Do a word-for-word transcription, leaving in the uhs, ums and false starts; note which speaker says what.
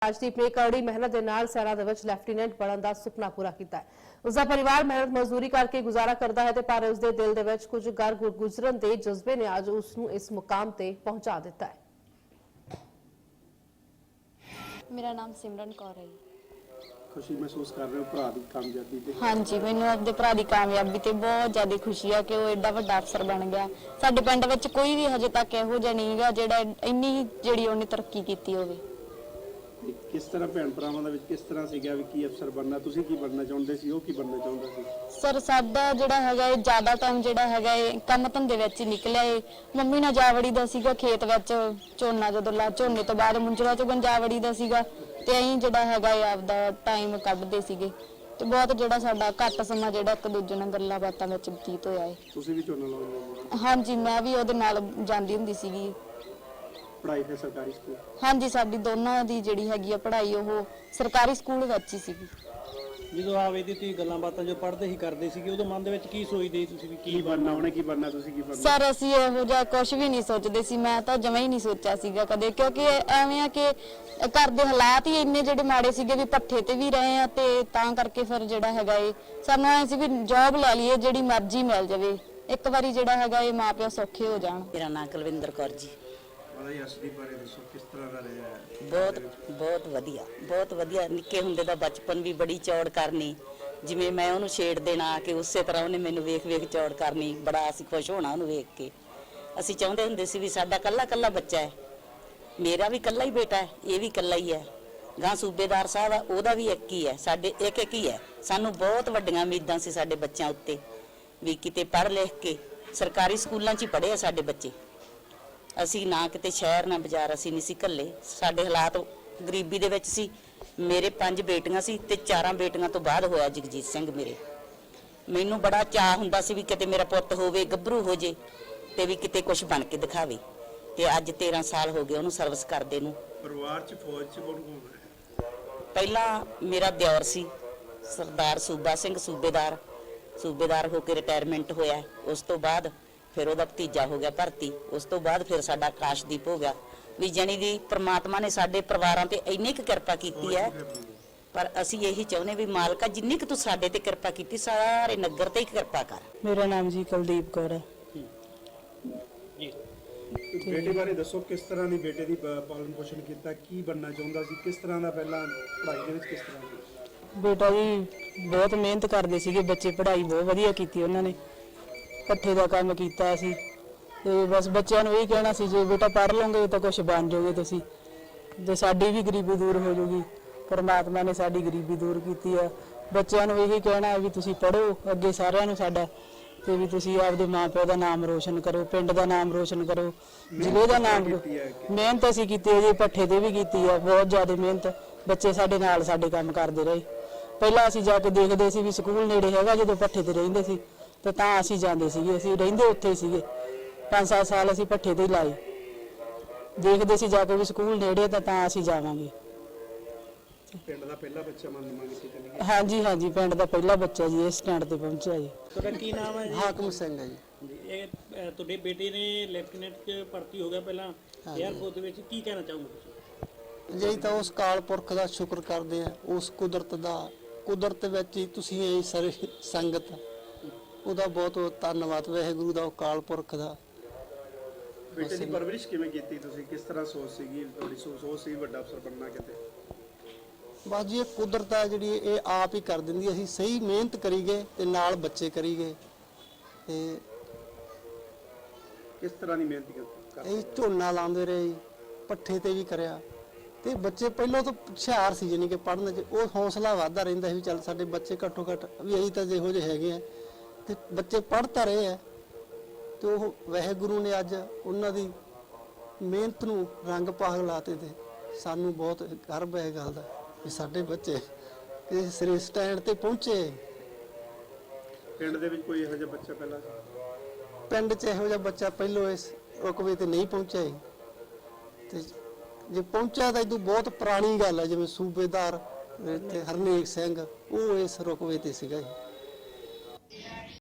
Speaker 1: राजदीप ने कड़ी मेहनत के नाल सेना दे विच लेफ्टिनेंट बनने का सुपना पूरा किया है। उसका परिवार मेहनत मजदूरी करके गुजारा करता है, पर उसके दिल दे विच कुछ घर गुजरन के जज्बे ने अज उसनू इस मुकाम ते पहुंचा दिता है।
Speaker 2: मेरा नाम सिमरन कौर है।
Speaker 3: खुशी महसूस कर रहे हो भरा दी कामयाबी ते?
Speaker 2: हाँ जी, मैनू अपने भरा दी कामयाबी ते बहुत ज्यादा खुशी है कि वो एडा वड्डा अफसर बन गया। साडे पिंड विच कोई भी हजे तक इहो जिहा नहीं गा जिहड़ा इन्नी जिहड़ी उहने तरक्की कीती होवे।
Speaker 3: किस तरह भैन भरावां दे विच किस तरह सीगा भी की अफसर बनना, तुसीं की बनना चाहुंदे सी, ओह की बनना चाहुंदा सी?
Speaker 2: सर साडा जिहड़ा हैगा ये ज्यादा टाइम जिहड़ा हैगा ये काम धंधे विच ही निकलिया है। मम्मी नाल जा वड़ी दा सीगा खेत विच, झोना जदों ला झोने तो बाद मुंजरा चों जा वड़ी दा सीगा ते अहीं जिहड़ा हैगा ये आपदा टाइम कढदे सीगे ते बहुत जिहड़ा साडा घੱਟ समां जिहड़ा एक दूजे नाल गल्लां बातां विच बतीत होया है।
Speaker 3: तुसीं भी झोना लाउंदे हो?
Speaker 2: हाँ जी, मैं भी ਉਹਦੇ ਨਾਲ ਜਾਂਦੀ ਹੁੰਦੀ ਸੀਗੀ।
Speaker 3: पढ़ाई फिर सरकारी स्कूल?
Speaker 2: हाँ जी, साडी दोनों दी जिहड़ी हैगी आ पढ़ाई ਉਹ ਸਰਕਾਰੀ ਸਕੂਲ ਵਿੱਚ ਹੀ ਸੀਗੀ।
Speaker 4: ਜਦੋਂ ਆਵੇ ਦੀ ਤੁਸੀਂ ਗੱਲਾਂ ਬਾਤਾਂ ਜੋ ਪੜ੍ਹਦੇ ਹੀ ਕਰਦੇ ਸੀਗੇ ਉਦੋਂ ਮਨ ਦੇ ਵਿੱਚ ਕੀ ਸੋਚਦੇ ਤੁਸੀਂ ਵੀ
Speaker 3: ਕੀ ਬਣਨਾ, ਉਹਨੇ ਕੀ ਬਣਨਾ, ਤੁਸੀਂ ਕੀ ਬਣਨਾ?
Speaker 2: ਸਰ ਅਸੀਂ ਇਹੋ ਜਿਹਾ ਕੁਝ ਵੀ ਨਹੀਂ ਸੋਚਦੇ ਸੀ, ਮੈਂ ਤਾਂ ਜਮਾਂ ਹੀ ਨਹੀਂ ਸੋਚਿਆ ਸੀਗਾ ਕਦੇ, ਕਿਉਂਕਿ ਐਵੇਂ ਆ ਕਿ ਘਰ ਦੇ ਹਾਲਾਤ ਹੀ ਇੰਨੇ ਜਿਹੜੇ ਮਾੜੇ ਸੀਗੇ ਵੀ ਪੱਠੇ ਤੇ ਵੀ ਰਹੇ ਆ ਤੇ ਤਾਂ ਕਰਕੇ ਫਿਰ ਜਿਹੜਾ ਹੈਗਾ ਇਹ ਸਾਨੂੰ ਐ ਸੀ ਵੀ ਜੌਬ ਲੈ ਲਈਏ ਜਿਹੜੀ ਮਰਜ਼ੀ ਮਿਲ ਜਾਵੇ, ਇੱਕ ਵਾਰੀ ਜਿਹੜਾ ਹੈਗਾ ਇਹ ਮਾਪਿਓ ਸੌਖੇ ਹੋ ਜਾਣ।
Speaker 5: ਮੇਰਾ ਨਾਮ ਕੁਲਵਿੰਦਰ ਕੌਰ ਜੀ।
Speaker 3: ਅਸਦੀਪ ਬਾਰੇ ਦੱਸੋ ਕਿਸ ਤਰ੍ਹਾਂ ਦਾ ਰਿਹਾ?
Speaker 5: ਬਹੁਤ ਬਹੁਤ ਵਧੀਆ, ਬਹੁਤ ਵਧੀਆ। ਨਿੱਕੇ ਹੁੰਦੇ ਦਾ ਬਚਪਨ ਵੀ ਬੜੀ ਚੌੜ ਕਰਨੀ, ਜਿਵੇਂ ਮੈਂ ਉਹਨੂੰ ਛੇੜ ਦੇਣਾ ਕਿ ਉਸੇ ਤਰ੍ਹਾਂ ਉਹਨੇ ਮੈਨੂੰ ਵੇਖ ਵੇਖ ਚੌੜ ਕਰਨੀ, ਬੜਾ ਅਸੀਂ ਖੁਸ਼ ਹੋਣਾ ਉਹਨੂੰ ਵੇਖ ਕੇ। ਅਸੀਂ ਚਾਹੁੰਦੇ ਹੁੰਦੇ ਸੀ ਵੀ ਸਾਡਾ ਕੱਲਾ ਕੱਲਾ ਬੱਚਾ ਹੈ, ਮੇਰਾ ਵੀ ਕੱਲਾ ਹੀ ਬੇਟਾ ਹੈ, ਇਹ ਵੀ ਕੱਲਾ ਹੀ ਹੈ, ਗਾਂ ਸੂਬੇਦਾਰ ਸਾਹਿਬ ਆ ਉਹਦਾ ਵੀ ਇੱਕ ਹੀ ਹੈ, ਸਾਡੇ ਇੱਕ ਇੱਕ ਹੀ ਹੈ। ਸਾਨੂੰ ਬਹੁਤ ਵੱਡੀਆਂ ਉਮੀਦਾਂ ਸੀ ਸਾਡੇ ਬੱਚਿਆਂ ਉੱਤੇ ਵੀ ਕਿਤੇ ਪੜ੍ਹ ਲਿਖ ਕੇ ਸਰਕਾਰੀ ਸਕੂਲਾਂ 'ਚ ਹੀ ਪੜ੍ਹੇ ਆ ਸਾਡੇ ਬੱਚੇ। ਅਸੀਂ ਨਾ ਕਿਤੇ ਸ਼ਹਿਰ ਨਾ ਬਾਜ਼ਾਰ ਅਸੀਂ ਨਹੀਂ ਸੀ ਘੱਲੇ, ਸਾਡੇ ਹਾਲਾਤ ਗਰੀਬੀ ਦੇ ਵਿੱਚ ਸੀ। ਮੇਰੇ ਪੰਜ ਬੇਟੀਆਂ ਸੀ ਤੇ ਚਾਰਾਂ ਬੇਟੀਆਂ ਤੋਂ ਬਾਅਦ ਹੋਇਆ ਜਗਜੀਤ ਸਿੰਘ ਮੇਰੇ। ਮੈਨੂੰ ਬੜਾ ਚਾਅ ਹੁੰਦਾ ਸੀ ਵੀ ਕਿਤੇ ਮੇਰਾ ਪੁੱਤ ਹੋਵੇ, ਗੱਭਰੂ ਹੋ ਜੇ ਤੇ ਵੀ ਕਿਤੇ ਕੁਝ ਬਣ ਕੇ ਦਿਖਾਵੇ, ਤੇ ਅੱਜ ਤੇਰਾਂ ਸਾਲ ਹੋ ਗਏ ਉਹਨੂੰ ਸਰਵਿਸ ਕਰਦੇ ਨੂੰ।
Speaker 3: ਪਰਿਵਾਰ 'ਚ ਫੌਜ 'ਚ ਕੌਣ ਕੌਣ ਹੈ?
Speaker 5: ਪਹਿਲਾਂ ਮੇਰਾ ਦਿਓਰ ਸੀ ਸਰਦਾਰ ਸੂਬਾ ਸਿੰਘ, ਸੂਬੇਦਾਰ ਸੂਬੇਦਾਰ ਹੋ ਕੇ ਰਿਟਾਇਰਮੈਂਟ ਹੋਇਆ। ਉਸ ਤੋਂ ਬਾਅਦ ਫਿਰ ਉਹਦਾ ਭਤੀਜਾ ਹੋ ਗਿਆ ਭਰਤੀ। ਉਸ ਤੋਂ ਬਾਅਦ ਫਿਰ ਸਾਡਾ ਆਕਾਸ਼ਦੀਪ ਹੋ ਗਿਆ। ਵੀ ਜਣੀ ਦੀ ਪ੍ਰਮਾਤਮਾ ਨੇ ਸਾਡੇ ਪਰਿਵਾਰਾਂ ਤੇ ਇੰਨੀ ਕੁ ਕਿਰਪਾ ਕੀਤੀ ਹੈ, ਪਰ ਅਸੀਂ ਇਹੀ ਚਾਹੁੰਦੇ ਵੀ ਮਾਲਕਾ ਜਿੰਨੀ ਕੁ ਤੂੰ ਸਾਡੇ ਤੇ ਕਿਰਪਾ ਕੀਤੀ ਸਾਰੇ ਨਗਰ ਤੇ ਹੀ ਕਿਰਪਾ ਕਰ।
Speaker 6: ਮੇਰਾ ਨਾਮ ਜੀ ਕੁਲਦੀਪ ਕੌਰ ਹੈ
Speaker 4: ਜੀ।
Speaker 3: ਬੇਟੇ ਬਾਰੇ ਦੱਸੋ ਕਿਸ ਤਰ੍ਹਾਂ ਦੀ ਬੇਟੇ ਦੀ ਪਾਲਣ ਪੋਸ਼ਣ ਕੀਤਾ, ਕੀ ਬਣਨਾ ਚਾਹੁੰਦਾ ਸੀ, ਕਿਸ ਤਰ੍ਹਾਂ ਦਾ ਪਹਿਲਾਂ ਪੜ੍ਹਾਈ ਦੇ ਵਿੱਚ ਕਿਸ ਤਰ੍ਹਾਂ ਦੀ?
Speaker 6: ਬੇਟਾ ਜੀ ਬਹੁਤ ਮਿਹਨਤ ਕਰਦੇ ਸੀਗੇ ਬੱਚੇ, ਪੜ੍ਹਾਈ ਬਹੁਤ ਵਧੀਆ ਕੀਤੀ ਉਹਨਾਂ ਨੇ, ਪੱਠੇ ਦਾ ਕੰਮ ਕੀਤਾ ਸੀ ਤੇ ਬਸ ਬੱਚਿਆਂ ਨੂੰ ਇਹ ਕਹਿਣਾ ਸੀ ਜੇ ਬੇਟਾ ਪੜ੍ਹ ਲਓਗੇ ਤਾਂ ਕੁਝ ਬਣ ਜਾਓਗੇ ਤੁਸੀਂ, ਤੇ ਸਾਡੀ ਵੀ ਗਰੀਬੀ ਦੂਰ ਹੋ ਜਾਊਗੀ। ਪਰਮਾਤਮਾ ਨੇ ਸਾਡੀ ਗਰੀਬੀ ਦੂਰ ਕੀਤੀ ਆ। ਬੱਚਿਆਂ ਨੂੰ ਇਹ ਕਹਿਣਾ ਵੀ ਤੁਸੀਂ ਪੜ੍ਹੋ ਅੱਗੇ ਸਾਰਿਆਂ ਨੂੰ ਸਾਡਾ, ਤੇ ਵੀ ਤੁਸੀਂ ਆਪਦੇ ਮਾਂ ਪਿਓ ਦਾ ਨਾਮ ਰੋਸ਼ਨ ਕਰੋ, ਪਿੰਡ ਦਾ ਨਾਮ ਰੋਸ਼ਨ ਕਰੋ, ਜ਼ਿਲ੍ਹੇ ਦਾ ਨਾਮ। ਮਿਹਨਤ ਅਸੀਂ ਕੀਤੀ ਹੈ ਜੀ, ਪੱਠੇ ਤੇ ਵੀ ਕੀਤੀ ਆ ਬਹੁਤ ਜ਼ਿਆਦਾ ਮਿਹਨਤ। ਬੱਚੇ ਸਾਡੇ ਨਾਲ ਸਾਡੇ ਕੰਮ ਕਰਦੇ ਰਹੇ। ਪਹਿਲਾਂ ਅਸੀਂ ਜਾ ਕੇ ਦੇਖਦੇ ਸੀ ਵੀ ਸਕੂਲ ਨੇੜੇ ਹੈਗਾ, ਜਦੋਂ ਪੱਠੇ ਤੇ ਰਹਿੰਦੇ ਸੀ ਤੇ ਤਾਂ ਅਸੀਂ ਜਾਂਦੇ ਸੀਗੇ, ਅਸੀਂ ਰਹਿੰਦੇ ਉੱਥੇ ਸੀਗੇ। ਪੰਜ ਸੱਤ ਸਾਲ ਅਸੀਂ ਪੱਠੇ ਤੇ ਹੀ ਲਾਏ, ਦੇਖਦੇ ਸੀ ਜਾ ਕੇ ਵੀ ਸਕੂਲ ਨੇੜੇ ਤਾਂ ਤਾਂ ਅਸੀਂ ਜਾਵਾਂਗੇ।
Speaker 3: ਪਿੰਡ ਦਾ ਪਹਿਲਾ ਬੱਚਾ ਮੰਨ ਮੰਗ ਕੇ ਚਲੇ ਗਏ?
Speaker 6: ਹਾਂਜੀ ਹਾਂਜੀ, ਪਿੰਡ ਦਾ ਪਹਿਲਾ ਬੱਚਾ ਜੀ ਇਸ ਸਟੈਂਡ ਤੇ ਪਹੁੰਚਿਆ ਜੀ।
Speaker 4: ਤੁਹਾਡਾ ਕੀ ਨਾਮ ਹੈ ਜੀ?
Speaker 7: ਹਾਕਮ ਸਿੰਘ ਹੈ ਜੀ।
Speaker 4: ਜੀ, ਇਹ ਅ, ਤੁਹਾਡੇ ਬੇਟੇ ਨੇ ਲੈਫਟੀਨੈਂਟ 'ਚ ਭਰਤੀ ਹੋ ਗਿਆ ਪਹਿਲਾਂ ਏਅਰਫੋਰਸ ਦੇ ਵਿੱਚ, ਕੀ ਕਹਿਣਾ ਚਾਹੋਗੇ ਤੁਸੀਂ?
Speaker 7: ਜੀ ਤਾਂ ਉਸ ਕਾਲ ਪੁਰਖ ਦਾ ਸ਼ੁਕਰ ਕਰਦੇ ਆ, ਉਸ ਕੁਦਰਤ ਦਾ, ਕੁਦਰਤ ਵਿੱਚ ਹੀ ਤੁਸੀਂ ਇਹ ਸਾਰੇ ਸੰਗਤ, ਉਹਦਾ ਬਹੁਤ ਬਹੁਤ ਧੰਨਵਾਦ ਵਾਹਿਗੁਰੂ ਦਾ, ਉਹ ਕਾਲ ਪੁਰਖ ਦਾ।
Speaker 3: ਬੇਟੇ ਦੀ ਪਰਵਰਿਸ਼ ਕਿਵੇਂ ਕੀਤੀ ਤੁਸੀਂ, ਕਿਸ ਤਰ੍ਹਾਂ ਸੋਚ ਸੀਗੀ ਤੁਹਾਡੀ? ਸੋਚ ਸੀ ਵੱਡਾ ਅਫਸਰ ਬਣਨਾ ਕਿਤੇ?
Speaker 7: ਬਸ ਜੀ ਇਹ ਕੁਦਰਤ ਆ ਜਿਹੜੀ ਇਹ ਆਪ ਹੀ ਕਰ ਦਿੰਦੀ। ਅਸੀਂ ਸਹੀ ਮਿਹਨਤ ਕਰੀਏ ਤੇ ਨਾਲ ਬੱਚੇ ਕਰੀਏ। ਤੇ
Speaker 3: ਕਿਸ ਤਰ੍ਹਾਂ ਦੀ ਮਿਹਨਤ ਕੀਤੀ?
Speaker 7: ਇਹ ਝੋਨਾ ਲਾਉਂਦੇ ਰਹੇ ਜੀ, ਪੱਠੇ ਤੇ ਵੀ ਕਰਿਆ, ਤੇ ਬੱਚੇ ਪਹਿਲਾਂ ਤੋਂ ਹੁਸ਼ਿਆਰ ਸੀ ਜਾਨੀ ਕਿ ਪੜ੍ਹਨ 'ਚ ਉਹ ਹੌਸਲਾ ਵੱਧਦਾ ਰਹਿੰਦਾ ਸੀ ਵੀ ਚੱਲ ਸਾਡੇ ਬੱਚੇ ਘੱਟੋ ਘੱਟ ਵੀ ਅਸੀਂ ਤਾਂ ਜਿਹੋ ਜਿਹੇ ਹੈਗੇ ਆ, ਤੇ ਬੱਚੇ ਪੜ੍ਹ ਤਾਂ ਰਹੇ ਆ। ਤੇ ਉਹ ਵਾਹਿਗੁਰੂ ਨੇ ਅੱਜ ਉਹਨਾਂ ਦੀ ਮਿਹਨਤ ਨੂੰ ਰੰਗ ਪਾਗ ਲਾਤੇ ਤੇ ਸਾਨੂੰ ਬਹੁਤ ਗਰਵ ਹੈ ਇਹ ਗੱਲ ਦਾ ਵੀ ਸਾਡੇ ਬੱਚੇ ਇਸ ਸਿਰੇ ਸਟੈਂਡ ਤੇ ਪਹੁੰਚੇ।
Speaker 3: ਪਿੰਡ ਦੇ ਵਿੱਚ ਕੋਈ ਇਹੋ ਜਿਹਾ ਬੱਚਾ ਪਹਿਲਾਂ ਸੀ?
Speaker 7: ਪਿੰਡ 'ਚ ਇਹੋ ਜਿਹਾ ਬੱਚਾ ਪਹਿਲੋਂ ਇਸ ਰੁਕਵੇ ਤੇ ਨਹੀਂ ਪਹੁੰਚਿਆ ਜੀ, ਤੇ ਜੇ ਪਹੁੰਚਿਆ ਤਾਂ ਇਹ ਤੋਂ ਬਹੁਤ ਪੁਰਾਣੀ ਗੱਲ ਹੈ। ਜਿਵੇਂ ਸੂਬੇਦਾਰ ਇੱਥੇ ਹਰਨੇਕ ਸਿੰਘ ਉਹ ਇਸ ਰੁਕਵੇ ਤੇ ਸੀਗਾ ਜੀ।